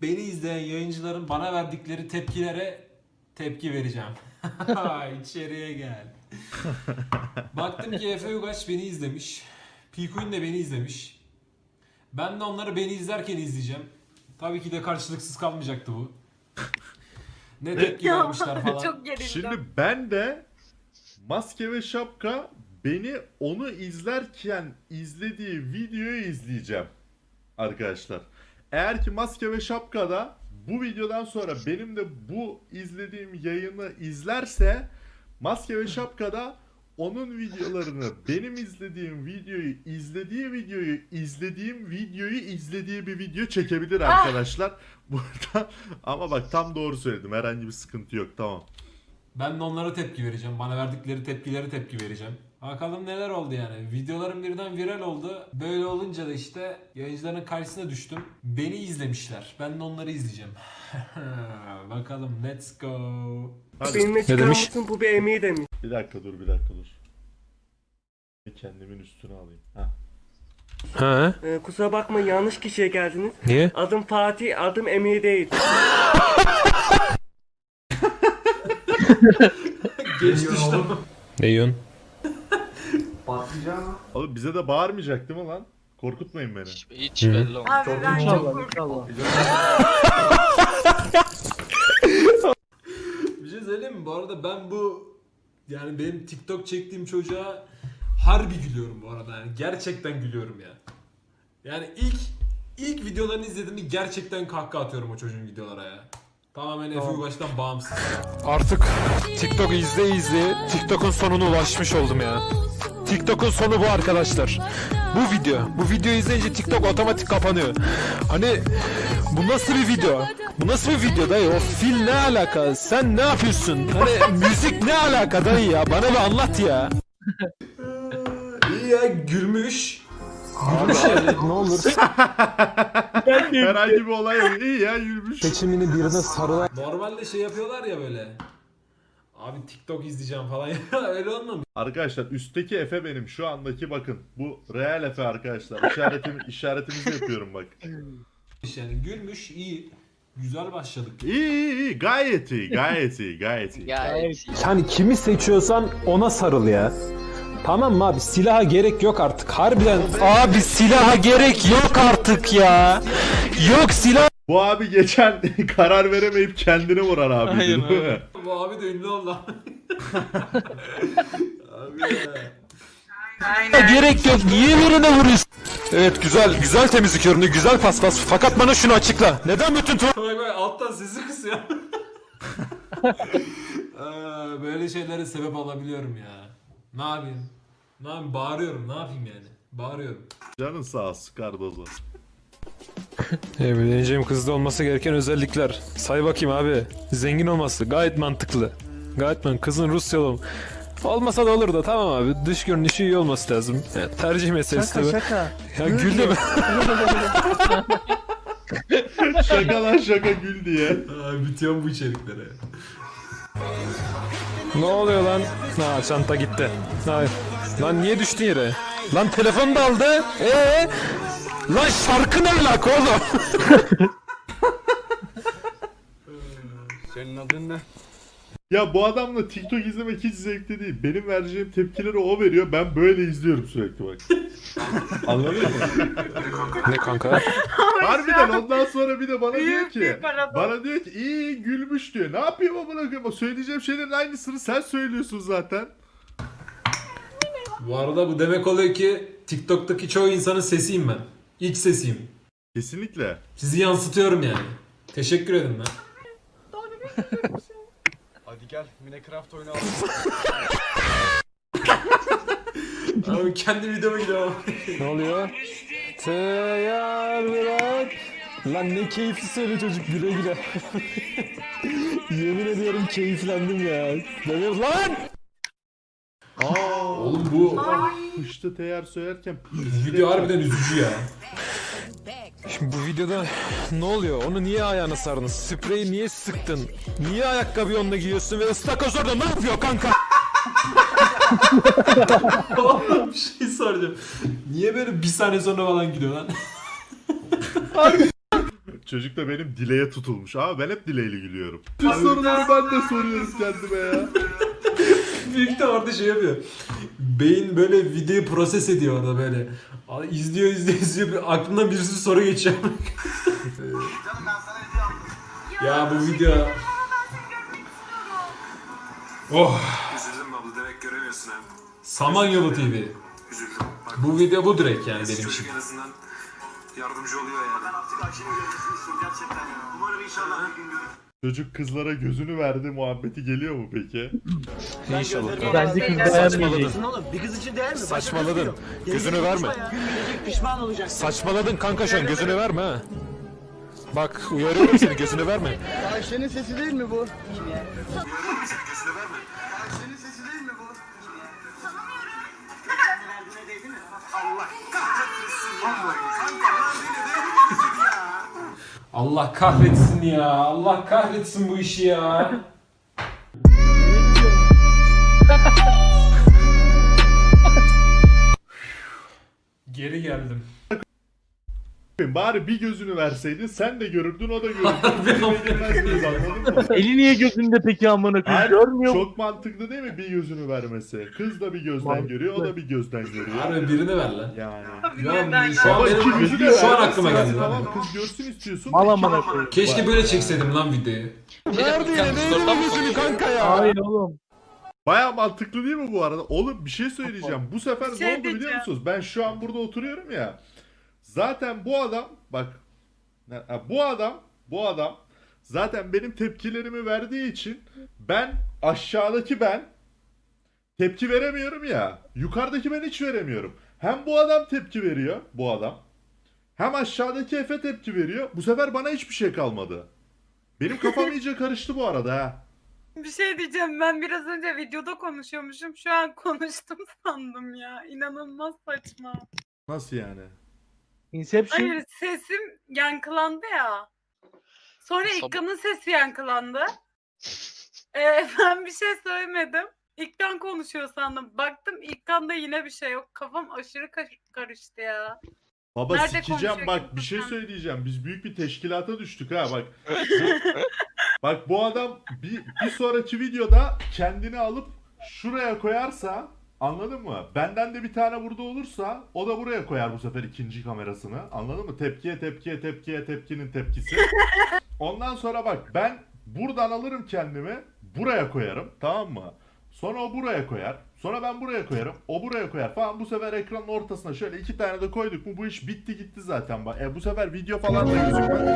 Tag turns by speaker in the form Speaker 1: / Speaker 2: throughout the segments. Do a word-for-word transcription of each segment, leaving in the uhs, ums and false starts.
Speaker 1: beni izleyen yayıncıların bana verdikleri tepkilere tepki vereceğim. İçeriye gel. Baktım ki Efe Ugaç beni izlemiş. Pikuin de beni izlemiş. Ben de onları beni izlerken izleyeceğim. Tabii ki de karşılıksız kalmayacaktı bu. Ne tepki vermişler falan.
Speaker 2: Çok gerildim.
Speaker 3: Şimdi ben de Maske ve Şapka beni onu izlerken izlediği videoyu izleyeceğim arkadaşlar. Eğer ki Maske ve Şapka'da bu videodan sonra benim de bu izlediğim yayını izlerse Maske ve Şapka'da onun videolarını, benim izlediğim videoyu, izlediği videoyu, izlediğim videoyu izlediği bir video çekebilir arkadaşlar. Burada ama bak tam doğru söyledim. Herhangi bir sıkıntı yok. Tamam.
Speaker 1: Ben de onlara tepki vereceğim. Bana verdikleri tepkileri tepki vereceğim. Bakalım neler oldu yani. Videolarım birden viral oldu. Böyle olunca da işte yayıncıların karşısına düştüm. Beni izlemişler. Ben de onları izleyeceğim. Bakalım let's go.
Speaker 3: Hadi.
Speaker 4: Benimle çıkar mısın, bu bir emeği demiş.
Speaker 3: Bir dakika dur, bir dakika dur. Kendimin üstüne alayım. Heh.
Speaker 5: Ha?
Speaker 4: Ee, kusura bakmayın, yanlış kişiye geldiniz.
Speaker 5: Niye?
Speaker 4: Adım Fatih, adım emeği değil.
Speaker 1: Geç düştüm.
Speaker 5: Ne yiyorsun?
Speaker 3: Oğlum bize de bağırmayacak değil mi lan? Korkutmayın beni.
Speaker 6: Hiç, hiç belli olmaz.
Speaker 2: Abi ben çok korktum.
Speaker 1: Bir şey söyleyeyim mi? Bu arada ben bu yani benim TikTok çektiğim çocuğa harbi gülüyorum bu arada. Yani gerçekten gülüyorum ya. Yani ilk ilk videolarını izlediğimde gerçekten kahkaha atıyorum o çocuğun videolara ya. Tamamen Efe Ugaç'tan bağımsız.
Speaker 5: Artık TikTok izle izle TikTok'un sonuna ulaşmış oldum ya. TikTok'un sonu bu arkadaşlar. Bu video. Bu videoyu izleyince TikTok otomatik kapanıyor. Hani bu nasıl bir video? Bu nasıl bir video dayı? O fil ne alaka? Sen ne yapıyorsun? Hani müzik ne alaka dayı ya? Bana bir anlat ya.
Speaker 1: İyi ya gülmüş. Gülmüş yani.
Speaker 5: Ne olur
Speaker 3: Herhangi bir olay yok. İyi ya, yürümüş.
Speaker 5: seçimini birine sarılan
Speaker 1: Normalde şey yapıyorlar ya böyle. Abi TikTok izleyeceğim falan. Öyle olmamış.
Speaker 3: Arkadaşlar üstteki Efe benim. Şu andaki bakın. Bu real Efe arkadaşlar. İşaretim, işaretimizi yapıyorum bak.
Speaker 1: Yani gülmüş iyi. Güzel başladık.
Speaker 3: İyi iyi iyi. Gayet iyi. Gayet iyi. Gayet iyi.
Speaker 6: Gayet.
Speaker 5: Yani kimi seçiyorsan ona sarıl ya. Tamam mı abi? Silaha gerek yok artık. Harbiden. Abi silaha gerek yok artık ya. Yok silah.
Speaker 3: Bu abi geçen karar veremeyip kendini vuran abi.
Speaker 6: Aynen
Speaker 3: değil mi?
Speaker 1: Bu abi de ünlü oldu. Abi ya.
Speaker 5: Gerek yok. Niye birine vuruyorsun? Evet güzel güzel temizlik ürünü güzel paspas fakat bana şunu açıkla. Neden bütün tu-
Speaker 1: Bak bak alttan sesi kısıyor. Aa, böyle şeylere sebep olabiliyorum ya. Ne yapayım? Ne yapayım? Bağırıyorum. Ne yapayım yani? Bağırıyorum.
Speaker 3: Canın sağ olsun Cardozo.
Speaker 5: Evleneceğim kızda olması gereken özellikler. Say bakayım abi. Zengin olması gayet mantıklı. Gayet man kızın Rusyalı ol- olmasa da olur da tamam abi. Dış görünüşü iyi olması lazım. Ya, tercih meselesi tabii.
Speaker 4: şaka.
Speaker 5: Ya gül de
Speaker 3: Şaka lan şaka, gül diye.
Speaker 1: Aa, bitiyor bu içeriklere.
Speaker 5: Ne oluyor lan? Ha çanta gitti. Hayır. Lan niye düştün yere? Lan telefon da aldı. Ee? Lan şarkı ne alaka oğlum?
Speaker 7: Senin adın ne?
Speaker 3: Ya bu adamla TikTok izlemek hiç zevkli değil. Benim vereceğim tepkileri o veriyor. Ben böyle izliyorum sürekli bak. Anladın mı?
Speaker 5: Ne kanka?
Speaker 3: Harbiden ondan sonra bir de bana diyor
Speaker 2: Büyük
Speaker 3: ki
Speaker 2: bir paradoks.
Speaker 3: bana diyor ki iyi gülmüş diyor. Ne yapayım amına koyayım? Söyleyeceğim şeylerin aynısını sen söylüyorsun zaten.
Speaker 1: Bu arada bu demek oluyor ki TikTok'taki çoğu insanın sesiyim ben. İlk sesiyim.
Speaker 3: Kesinlikle.
Speaker 1: Sizi yansıtıyorum yani. Teşekkür ederim ben.
Speaker 7: Hadi gel Minecraft oynayalım.
Speaker 1: Abi kendi videoma gidiyorum.
Speaker 5: Ne oluyor? Teyar bırak. Lan ne keyifli söyle çocuk güle güle. Yemin ediyorum keyiflendim ya. Demir lan!
Speaker 3: Aa,
Speaker 1: Oğlum bu
Speaker 3: Kışta teyar söylerken
Speaker 1: video harbiden üzücü ya.
Speaker 5: Şimdi bu videoda ne oluyor? Onu niye ayağına sardın? Spreyi niye sıktın? Niye ayakkabıyı onunla giyiyorsun ve ıstakoz orada ne yapıyor kanka?
Speaker 1: Oğlum bir şey soracağım. Niye böyle bir saniye sonra falan gidiyor lan?
Speaker 3: Çocuk da benim dileğe tutulmuş. Abi ben hep dileğli gülüyorum. Tüm soruları ben de soruyorum kendime ya.
Speaker 1: Büyük de orada şey yapıyor. Beyin böyle videoyu proses ediyor orada böyle. Aa, İzliyor izliyor izliyor. Bir- Aklından bir sürü soru geçiyor. Ya bu video... Oh!
Speaker 2: Üzüldüm abla, demek göremiyorsun hem.
Speaker 1: Samanyolu T V.
Speaker 2: Üzüldüm. Bak,
Speaker 1: Bu video bu direkt yani
Speaker 2: neyse,
Speaker 1: benim için.
Speaker 2: çocuk en azından yardımcı oluyor yani. Ben artık Ayşe'nin görüntüsünü istiyorum gerçekten ya. Umarım inşallah bir gün görürüm.
Speaker 3: Çocuk kızlara gözünü verdi muhabbeti geliyor mu peki?
Speaker 5: İnşallah.
Speaker 6: Bence kız beğenmeyecek.
Speaker 8: Oğlum bir kız için değer mi? Başka
Speaker 5: Saçmaladın.
Speaker 8: kız diyor.
Speaker 5: Gözünü
Speaker 8: Gelecek
Speaker 5: verme.
Speaker 8: konuşma ya. Gün gelecek pişman olacaksın.
Speaker 5: Saçmaladın kanka şu an gözünü verme ha. Bak uyarıyorum seni gözünü verme.
Speaker 8: Ayşe'nin sesi değil mi bu?
Speaker 2: Görüyorum seni, gözüne verme.
Speaker 8: Ayşe'nin sesi değil mi bu?
Speaker 2: Allah kahretmesin ya. Kanka verdiğine değdi mi bizim ya?
Speaker 1: Allah kahretsin ya. Allah kahretsin bu işi ya. Geri geldim.
Speaker 3: Bari bir gözünü verseydin sen de görürdün o da görürdü. Görmezdiniz, anladın mı?
Speaker 6: Eli niye gözünde peki amına koyayım?
Speaker 3: Hayır,
Speaker 6: Görmüyor mu?
Speaker 3: çok mantıklı değil mi bir gözünü vermesi? Kız da bir gözden
Speaker 6: Mantıklı.
Speaker 3: görüyor, o da bir gözden görüyor.
Speaker 1: Harbi birini ver lan.
Speaker 3: Yani.
Speaker 1: Ya şu an
Speaker 3: Baba iki
Speaker 1: benim
Speaker 3: gözü de
Speaker 1: şu an
Speaker 3: vermezsin
Speaker 1: aklıma
Speaker 3: hadi,
Speaker 1: geldi lan.
Speaker 3: tamam kız görsün istiyorsun.
Speaker 6: Mal
Speaker 3: İki-
Speaker 6: amına koyayım.
Speaker 1: Keşke böyle çekseydim lan videoyu.
Speaker 5: Nerede yine neydi bu gözünü kanka ya?
Speaker 6: Hayır oğlum.
Speaker 3: Baya mantıklı değil mi bu arada? Oğlum bir şey söyleyeceğim. Bu sefer
Speaker 9: Bir şey
Speaker 3: ne oldu biliyor
Speaker 9: diyeceğim.
Speaker 3: musunuz? Ben şu an burada oturuyorum ya. Zaten bu adam bak ha, bu adam bu adam zaten benim tepkilerimi verdiği için ben aşağıdaki ben tepki veremiyorum ya. Yukarıdaki ben hiç veremiyorum. Hem bu adam tepki veriyor bu adam. Hem aşağıdaki Efe tepki veriyor. Bu sefer bana hiçbir şey kalmadı. Benim kafam iyice karıştı bu arada ha.
Speaker 9: Bir şey diyeceğim, ben biraz önce videoda konuşuyormuşum, şu an konuştum sandım ya. İnanılmaz saçma.
Speaker 3: Nasıl yani?
Speaker 6: Inception.
Speaker 9: Hayır, sesim yankılandı ya. Sonra İlkan'ın sesi yankılandı. Ee, ben bir şey söylemedim. İlkan konuşuyor sandım. Baktım İlkan'da yine bir şey yok. Kafam aşırı kar- karıştı ya.
Speaker 3: Baba
Speaker 9: Nerede
Speaker 3: sikeceğim
Speaker 9: konuşuyor
Speaker 3: bak
Speaker 9: kimse
Speaker 3: bir şey
Speaker 9: sen?
Speaker 3: söyleyeceğim. Biz büyük bir teşkilata düştük ha bak. Bak bu adam bir, bir sonraki videoda kendini alıp şuraya koyarsa anladın mı? Benden de bir tane burada olursa o da buraya koyar bu sefer ikinci kamerasını. Anladın mı? Tepkiye tepkiye tepkiye tepkinin tepkisi. Ondan sonra bak ben buradan alırım kendimi buraya koyarım tamam mı? Sonra o buraya koyar. Sonra ben buraya koyarım. O buraya koyar falan. Bu sefer ekranın ortasına şöyle iki tane de koyduk mu bu iş bitti gitti zaten. Bak. E bu sefer video falan da gözükmez.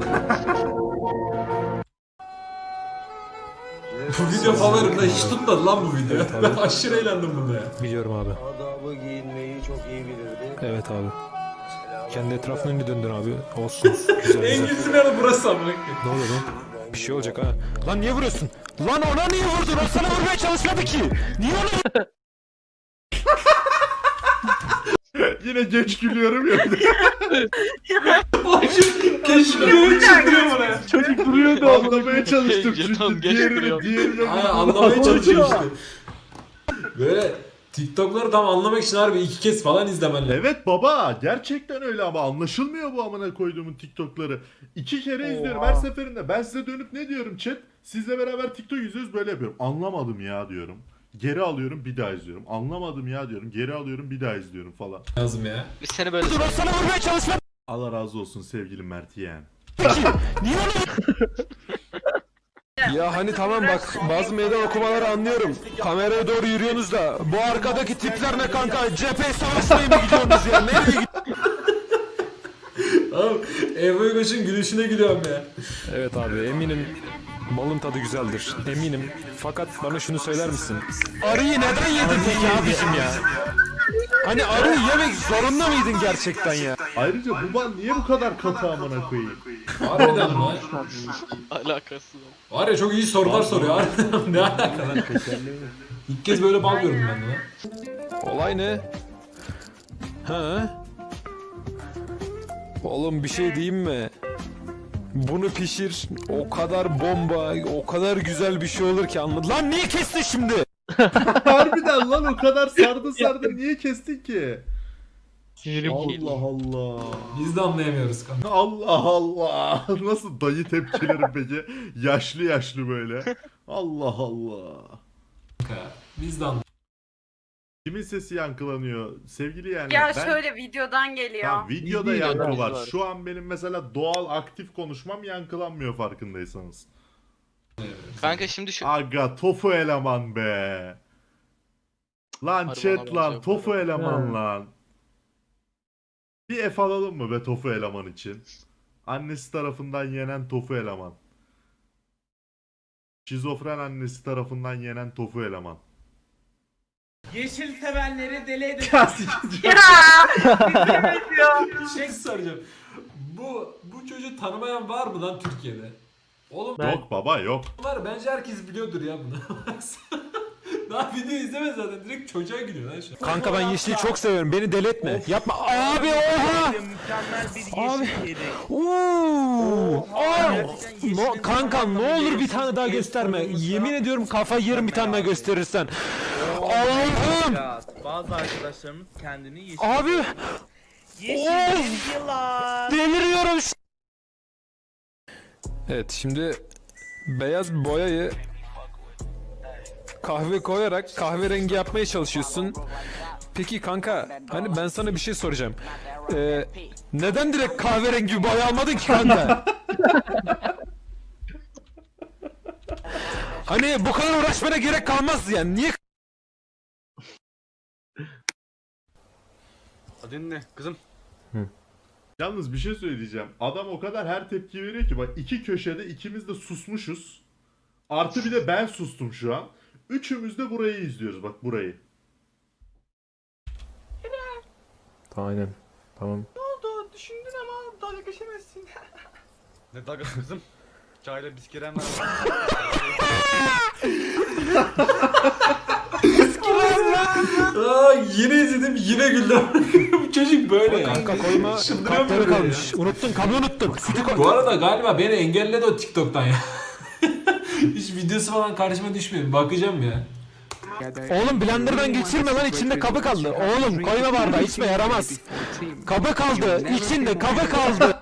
Speaker 1: Bu video favorimde hiç tutmadı lan bu video. Ben aşırı eğlendim bunda ya.
Speaker 5: Biliyorum abi.
Speaker 8: Adabı giyinmeyi çok iyi bilirdi.
Speaker 5: Evet abi. Kendi etrafına önünü döndün abi. Olsun. Güzel
Speaker 1: En
Speaker 5: güzel.
Speaker 1: güzel yanı burası amına koyayım.
Speaker 5: Ne oluyor lan? Bir şey olacak ha. Lan niye vuruyorsun? Lan ona niye vurdun? O sana vurmaya çalışmadı ki. Niye ona
Speaker 3: Yine geç gülüyorum ya.
Speaker 1: Keşke böyle çıktırıyor bana.
Speaker 6: Çocuk duruyordu
Speaker 3: Anlamaya çalıştım çünkü diğerini diğerini
Speaker 1: Aynen anlamaya çalışıyor işte. Böyle TikTok'ları tam anlamak için harbi iki kez falan izlemen lazım.
Speaker 3: Evet baba gerçekten öyle ama anlaşılmıyor bu amına koyduğumun TikTok'ları. İki kere izliyorum her seferinde. Ben size dönüp ne diyorum chat? Sizle beraber TikTok izliyoruz böyle yapıyorum. Anlamadım ya diyorum. Geri alıyorum bir daha izliyorum. Anlamadım ya diyorum. Geri alıyorum bir daha izliyorum falan.
Speaker 1: Lazım ya.
Speaker 10: Biz seni böyle
Speaker 5: vurdun? O sana vurmaya çalışmadı
Speaker 3: Allah razı olsun sevgili Mert yeğen.
Speaker 5: ki. Niye ona... Ya hani tamam bak bazı meydan okumaları anlıyorum. Kameraya doğru yürüyorsunuz da bu arkadaki tipler ne kanka? Cephe savaşmaya mı gidiyorsunuz ya? Nereye gidiyorsunuz?
Speaker 1: Oğlum Efe Uygaç'ın gülüşüne gülüyorum ya.
Speaker 5: Evet abi eminim malın tadı güzeldir. Eminim. Fakat bana şunu söyler misin? Arıyı neden yedin peki abicim ya? Hani arıyı yemek zorunda mıydın gerçekten ya?
Speaker 3: Ayrıca bu bal niye bu kadar katı amına koyayım?
Speaker 1: Harbiden lan.
Speaker 10: alakası yok.
Speaker 1: Var ya çok iyi sorular soruyor. Harbiden ne alaka lan? İlk kez böyle bal gördüm ben de lan.
Speaker 5: Olay ne? Ha? Oğlum bir şey diyeyim mi? Bunu pişir, o kadar bomba, o kadar güzel bir şey olur ki anladın. Lan niye kestin şimdi?
Speaker 3: Harbiden lan o kadar sardı sardı niye kestin ki?
Speaker 6: Sinirim bozuldu.
Speaker 3: Allah Allah.
Speaker 1: Biz de anlayamıyoruz kanka.
Speaker 3: Allah Allah. Nasıl dayı tepkilerim peki? Yaşlı yaşlı böyle. Allah Allah.
Speaker 1: Biz de anlayamıyoruz.
Speaker 3: Kimin sesi yankılanıyor? Sevgili yani
Speaker 9: Ya
Speaker 3: ben...
Speaker 9: şöyle videodan geliyor.
Speaker 3: Tamam, videoda
Speaker 6: Videoda
Speaker 3: yankı var.
Speaker 10: var.
Speaker 3: Şu an benim mesela doğal aktif konuşmam yankılanmıyor farkındaysanız.
Speaker 10: Kanka şimdi şu
Speaker 3: Aga tofu eleman be. Lan
Speaker 10: Harbi
Speaker 3: chat
Speaker 10: ona
Speaker 3: lan
Speaker 10: benziyor
Speaker 3: tofu
Speaker 10: bu
Speaker 3: eleman
Speaker 6: Ha.
Speaker 3: lan. Bir F alalım mı be tofu eleman için? Annesi tarafından yenen tofu eleman. Şizofren annesi tarafından yenen tofu eleman.
Speaker 8: Yeşil sevenleri deli edin.
Speaker 9: Ya! Evet ya.
Speaker 1: Bir şey soracağım. Bu bu çocuğu tanımayan var mı lan Türkiye'de? Oğlum
Speaker 6: Ben-
Speaker 3: Yok baba yok.
Speaker 1: var bence herkes biliyordur ya bunu. Daha video izlemez zaten direkt çocuğa gülüyor lan şu an.
Speaker 5: Kanka ben yeşili çok seviyorum. Beni deli etme. Yapma. Abi oha.
Speaker 8: Mükemmel bir
Speaker 5: Abi.
Speaker 8: yeşil yedi.
Speaker 5: Oo. Aa. No, kanka ne olur bir tane daha gösterme. Yemin ediyorum kafayı yerim bir tane daha gösterirsen. Allah'ım.
Speaker 8: Bazı arkadaşlarımız kendini yeşil.
Speaker 5: Abi.
Speaker 8: Yeşil yılan.
Speaker 5: Deliriyorum. şu- Evet şimdi beyaz boyayı kahve koyarak kahverengi yapmaya çalışıyorsun. Peki kanka hani ben sana bir şey soracağım. Ee, neden direkt kahverengi bir boya almadın ki kanka? Hani bu kadar uğraşmana gerek kalmaz yani. Niye
Speaker 7: Adın ne kızım?
Speaker 3: Yalnız bir şey söyleyeceğim. Adam o kadar her tepki veriyor ki bak iki köşede ikimiz de susmuşuz. Artı bir de ben sustum şu an. Üçümüz de burayı izliyoruz bak burayı.
Speaker 5: Aynen. Tamam.
Speaker 8: oldu? Düşündün ama dalga geçemezsin.
Speaker 7: Ne dalgası kızım? Çayla bisküven var.
Speaker 1: Aa, yine izledim yine güldüm. Bu çocuk böyle ya.
Speaker 5: Kanka koyma
Speaker 1: Çıldırıyorum
Speaker 5: kapları
Speaker 1: böyle ya.
Speaker 5: kalmış. Unuttun kabı unuttun. Sütü koy.
Speaker 1: Bu arada galiba beni engelledi o TikTok'tan ya. Hiç videosu falan karşıma düşmüyor. Bakacağım ya.
Speaker 5: Oğlum blenderdan geçirme lan içinde kabı kaldı. Oğlum koyma bardağı içme yaramaz. Kabı kaldı. İçinde kabı kaldı.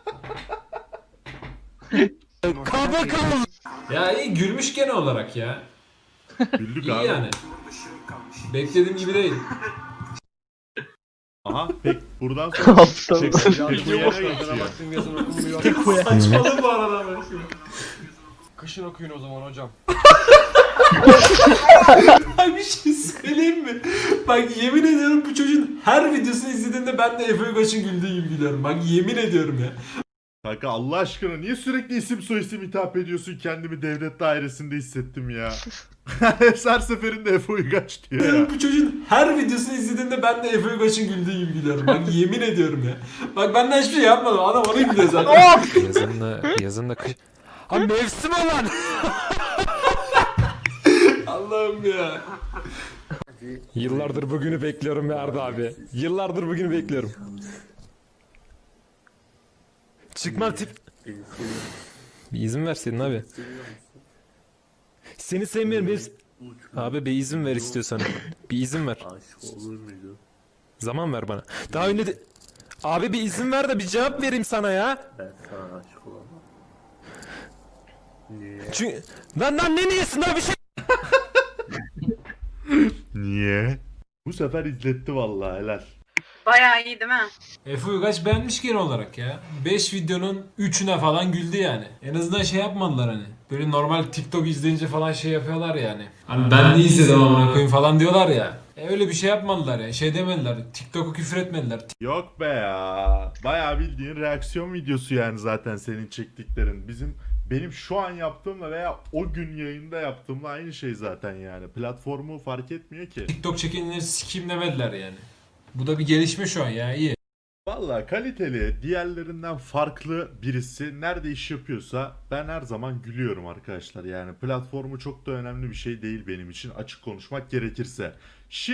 Speaker 5: kabı kaldı.
Speaker 1: Ya iyi gülmüş gene olarak ya.
Speaker 3: Güldük
Speaker 1: İyi
Speaker 3: abi.
Speaker 1: yani. Beklediğim gibi değil.
Speaker 3: Aha pek buradan sonra
Speaker 6: Aptal.
Speaker 3: Pek- Pek bu yere geçiyor.
Speaker 7: Baktım yazın okunmuyor.
Speaker 1: Saçmalık bu arada ben şimdi.
Speaker 7: Kışın okuyun o zaman hocam.
Speaker 1: Ay bir şey söyleyeyim mi? Bak yemin ediyorum bu çocuğun her videosunu izlediğinde ben de Efe Ugaç'ın güldüğü gibi gülüyorum. Bak yemin ediyorum ya.
Speaker 3: Kanka Allah aşkına niye sürekli isim soyisim hitap ediyorsun, kendimi devlet dairesinde hissettim ya. Her seferinde Efe Uygaç diyor ya.
Speaker 1: Bu çocuğun her videosunu izlediğinde ben de Efe Ugaç'ın güldüğü gibi gülüyorum. Bak yemin ediyorum ya. Bak benden hiçbir şey yapmadım. Adam onu gülüyor zaten.
Speaker 5: Yazın da yazın da kış. Ha mevsim olan.
Speaker 1: Allah'ım ya.
Speaker 5: Yıllardır bugünü bekliyorum ya Arda abi. Yıllardır bugünü bekliyorum. Çıkma tip. Bir izin verseydin abi. Seni sevmiyorum. Bir... Abi bir izin ver istiyorsan. Bir izin ver. Zaman ver bana. Daha önce de... Abi bir izin ver de bir cevap vereyim sana ya. Ben sana aşık olamam. Niye? Çünkü... Lan lan ne niyesin daha bir şey...
Speaker 3: Niye? Bu sefer izletti vallahi helal.
Speaker 9: Bayağı iyi değil mi?
Speaker 1: Efe Uygaç beğenmiş genel olarak ya. beş videonun üçüne falan güldü yani. En azından şey yapmadılar hani. Böyle normal TikTok izleyince falan şey yapıyorlar yani. Hani ben ne izledim amına koyayım falan diyorlar ya. E öyle bir şey yapmadılar ya. Şey demediler. TikTok'u küfür etmediler.
Speaker 3: Yok be ya. Bayağı bildiğin reaksiyon videosu yani zaten senin çektiklerin. Bizim benim şu an yaptığımla veya o gün yayında yaptığımla aynı şey zaten yani. Platformu fark etmiyor ki.
Speaker 1: TikTok çekenleri sikeyim demediler yani. Bu da bir gelişme şu an ya iyi.
Speaker 3: Valla kaliteli, diğerlerinden farklı birisi nerede iş yapıyorsa ben her zaman gülüyorum arkadaşlar. Yani platformu çok da önemli bir şey değil benim için, açık konuşmak gerekirse. Şi